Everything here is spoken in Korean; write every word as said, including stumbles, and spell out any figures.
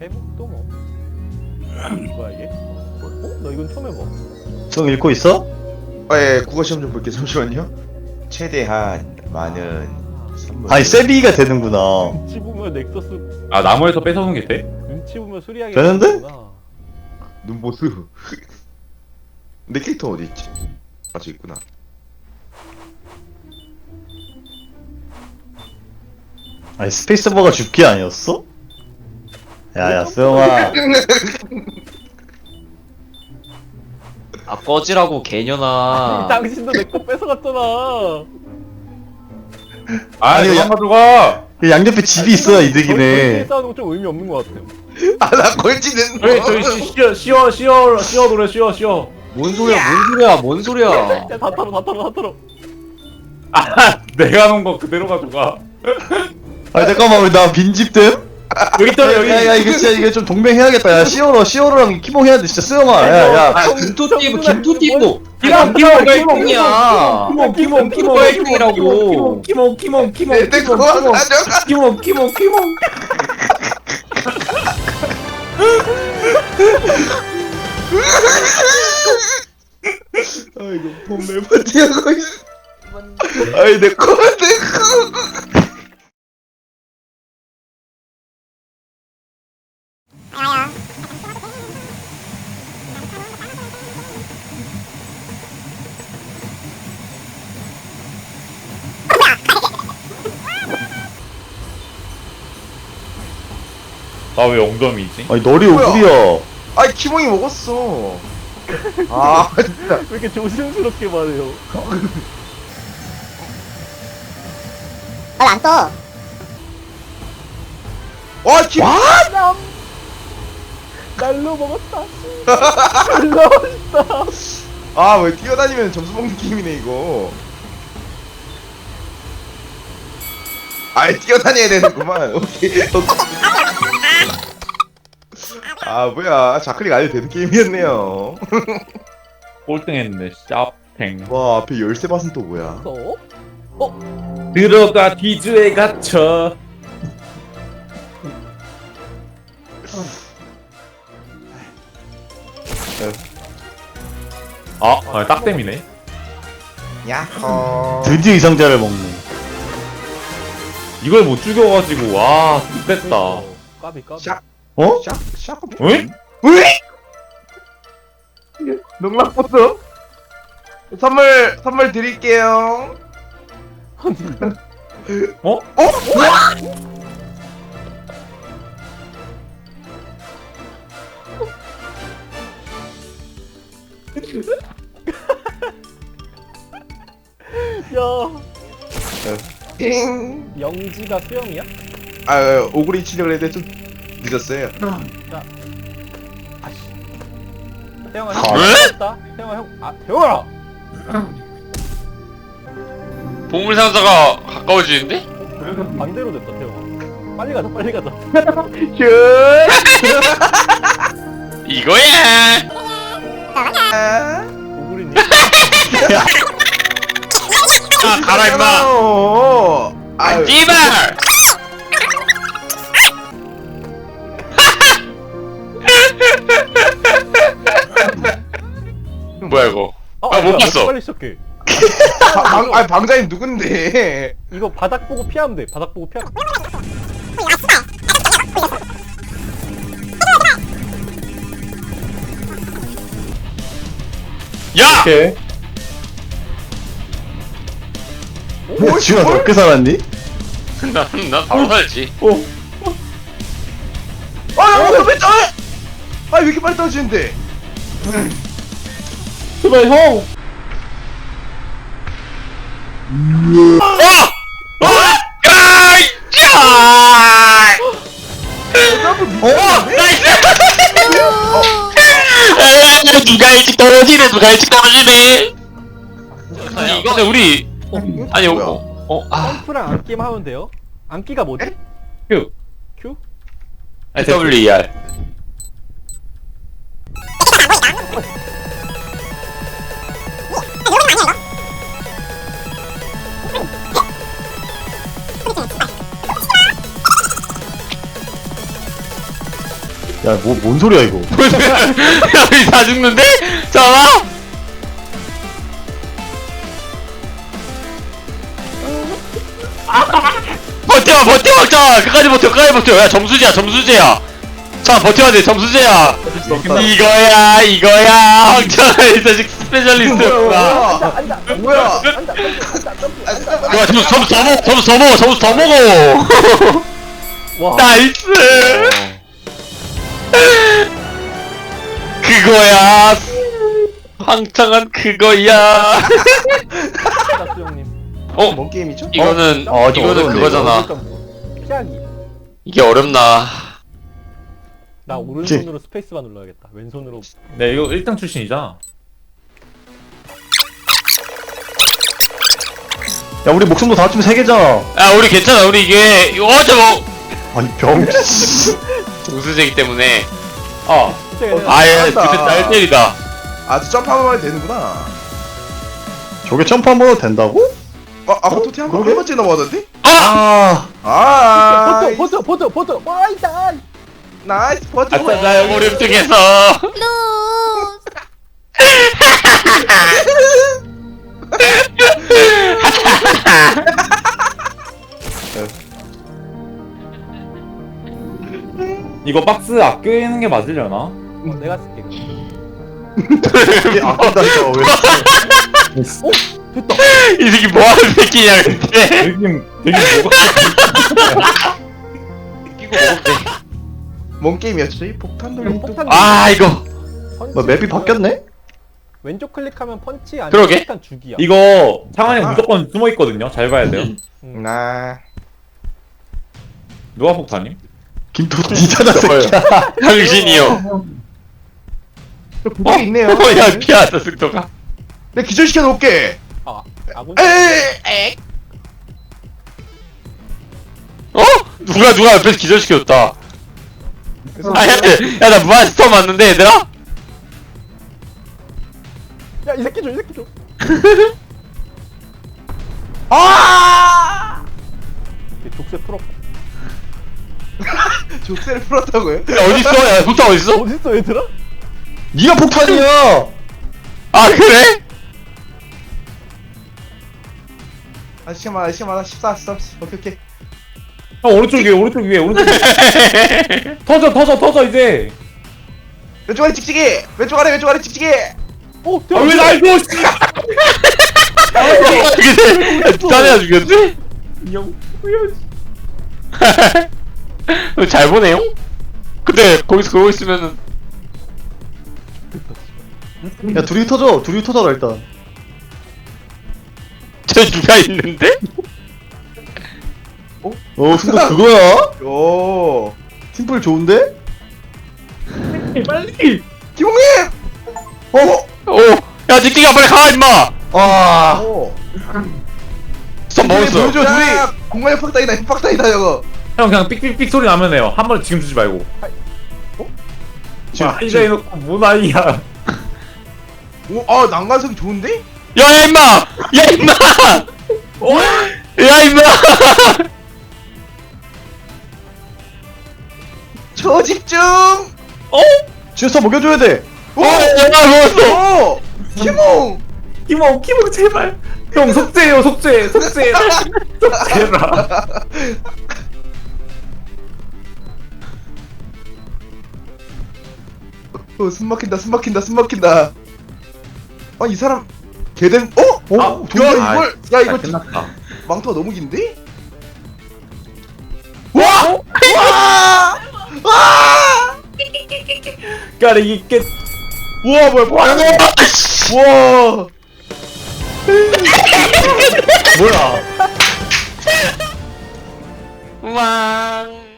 회복도 뭐. 뭐야 이게? 어? 나 이건 처음 해봐. 성 읽고 있어? 아, 예, 국어 시험 좀 볼게요. 잠시만요. 최대한 많은 선물. 아니 세비가 되는구나. 눈치 보면 넥서스. 아 나무에서 뺏어오는 게 돼? 눈치 보면 수리하게 되는데? 되는구나. 눈보수. 내 캐릭터 어디 있지? 아, 저기 있구나. 아니 스페이스버가 죽기 아니었어? 야야 수영아. 아 꺼지라고 개년아. 당신도 내 거 뺏어갔잖아. 아 아니, 그만 야- 가져가. 그 양옆에 집이 있어야 이득이네. 싸우는 거 좀 의미 없는 것 같아요. 아, 나 걸치는 저기 저기 시- 쉬어 쉬어 쉬어 쉬어 노래 쉬어 쉬어. 뭔 소리야? 뭔 소리야? 뭔 소리야? 야, 다 털어, 다 털어, 다 털어. 아 내가 놓은 거 그대로 가져가. 아니 잠깐만 왜 나 빈집됨? 여기 있다 여기. 야야 이거 진짜 이게 좀 동맹해야겠다. 야 시오로 시오로랑 키몽 해야 돼 진짜 수영아. 야야. 아 김토띠브 김토띠브. 키몽 키몽 키몽 야 키몽 키몽 키몽 키몽이라고. 키몽 키몽 키몽 내 키몽 그거 키몽 가져가. 키몽 키몽 키몽. 아이고, 돈 매번 뛰어가고 있어. 아이, 내 거, 내 거. 나 왜 엉덩이지? 아니 너리 뭐야? 오구리야. 아이, 키몽이 먹었어. 아, 진짜. 왜 이렇게 조심스럽게 말해요? 안 떠. 와, 키몽. 남 날로 먹었다. 날로 먹었다. 아, 왜 뛰어다니면 점수 먹는 게임이네, 이거. 아이, 뛰어다녀야 되는구만. 오케이, 오케이. 아, 뭐야. 좌클릭 안 해도 되는 게임이었네요. 꼴등했네 샤팽. 와, 앞에 열쇠 밭은 또 뭐야? 어? 들어가 뒤즈에 갇혀. 아, 아 딱땜이네. 야호. 드디어 이상자를 먹네. 이걸 못 죽여가지고 와 X됐다. 까비 까비. 샥. 어? 샥, 샥. 응? 왜? 농락버스? 선물, 선물 드릴게요. 어? 어? 야, 띵. 영지가 수영이야? 아, 오구리 치려고 했는데 좀 늦었어요. 아씨. 태영아 아, 형. 왜? 다 태영아 형. 아 태영아. 보물상자가 가까워지는데? 반대로 됐다 태영아. 빨리 가자 빨리 가자. 이거야! 오구리님. 아, 가라, 임마! 아, 씨발! 뭐야, 이거? 어, 아, 못 뭐야, 봤어. 빨리 시작해. 방, 아, 방자님 누군데? 이거 바닥 보고 피하면 돼. 바닥 보고 피하. 야! 오케이. 야 지훈아 너 어떻게 살았니? 난, 난 바로 살지. 아, 야, 왜 떨어? 아, 왜 이렇게 빨리 떨어지는데? 제발 형. 어! 아이! 야! 어! 나이스! 아, 누가 일찍 떨어지네, 누가 일찍 떨어지네. 아니, 이거는 우리, 아니, 뭐야? 어, 어, 아, 점프랑 안기만 하면 돼요. 안기가 뭐지? 큐. Q? W E R. 야, 뭐, 뭔 소리야, 이거. 우리 다 죽는데? 잠깐만. 버텨 버텨 자 끝까지 버텨 끝까지 버텨. 야 점수제야 점수제야. 자 버텨야 돼 점수제야. 이거야 이거야 황천아 이 자식 스페셜리스트구나. 앉아 뭐야? 앉아 앉아 앉아 앉아 야 점수 점수 더 먹어 점수 더 먹어 점수 더 먹어. 와 나이스. 그거야 황창한 그거야. 자 수영님 어 뭔 게임이죠? 이거는 어, 좀 이거는 어려운데, 그거잖아. 피하기 이게 어렵나. 나 오른손으로 스페이스바 눌러야겠다 왼손으로 네 이거 일 등 출신이잖아. 야, 우리 목숨도 다 합치면 세 개잖아. 야 우리 괜찮아 우리 이게 이거 어제 뭐 아니, 병. 우수제기 때문에 아 아예 잘한다. 그때 날 때리다. 아주 점프하면 되는구나. 저게 점프 한 번 해도 된다고? 어, 아까 토티 한 번, 한 번째 넘어가던데? 아, 아, 버텨 버텨 버텨 버텨 와이다 나이스 버텨. 아싸 나 여기 우리 획득했어. 이거 박스 아끼는 게 맞으려나? 어, 내가 쓸게 그럼. 이게 아낀다니까, 왜. 됐다 이 새끼 뭐하는 새끼냐 근데. 되게 되게 뭐가 끼고 먹으면 돼. 뭔 게임이었지? 이 폭탄 돌림. 폭탄 아 이거 펀치 뭐, 맵이 바뀌었네? 왼쪽 클릭하면 펀치 아니면 그러게. 클릭한 죽이야 이거 창환이 아. 무조건 숨어 있거든요. 잘 봐야 돼요. 음. 나 누가 폭탄임? 김토티잖아, 새끼야. 당신이요. 부탁이 있네요. 어, 야 피하다 승도가. 내가 기절시켜 놓을게. 아 아군 에이, 어? 누가 누가 옆에서 기절시켰다. 아야나 무한 스톱 맞는데 얘들아? 야이 새끼 줘이 새끼 줘 아! 이렇게 족쇄 풀었고 족쇄를 풀었다고요? 야 어딨어? 야 폭탄 어딨어? 어딨어 얘들아? 니가 폭탄이야! 아 그래? 아, 시간 많아, 시간 많아. 십사, 십삼, 오케이, 오케이. 형 오른쪽 위에 오른쪽 위에 오른쪽 위에. 터져 터져 터져 이제. 왼쪽 아래 찍찍이! 왼쪽 아래, 왼쪽 아래 찍찍이! 어 아 대박 왜 날 줘? 근데 딴애가 죽였지? 잘 보네요? 근데 거기서 그러고 있으면은 야, 둘이 터져. 둘이 터져라, 일단. 저 누가 있는데? 어, 순간 그거야? 오. 팀플 좋은데? 빨리. 김홍님! 어? 오! 야 닉디가 빨리 가 임마! 아, 오. 스톱 먹었어. 보여줘, 둘이! 공간의 팍다이다, 팍다이다, 저거. 형 그냥 삑삑삑 소리 나면 해요. 한 번 지금 주지 말고. 지금, 아, 이제 해놓고 뭔 아이야. 오, 아, 난간성이 좋은데? 야야 임마! 야 임마! 야 임마! 초집중! 지어서 먹여줘야 돼. 오! 야 먹었어! 오! 김홍! 키모 키모 제발. 형 속죄해요 속죄 속죄 속죄라. 어, 숨 막힌다, 숨 막힌다, 숨 막힌다. 아, 이 사람, 개된, 어? 어? 아, 야, 아, 이걸, 야, 이거 끝났다. 망토가 너무 긴데? 와! 와! 와! 까라 이게 우와, 뭐야, 뭐야, 우와! 뭐야. 왕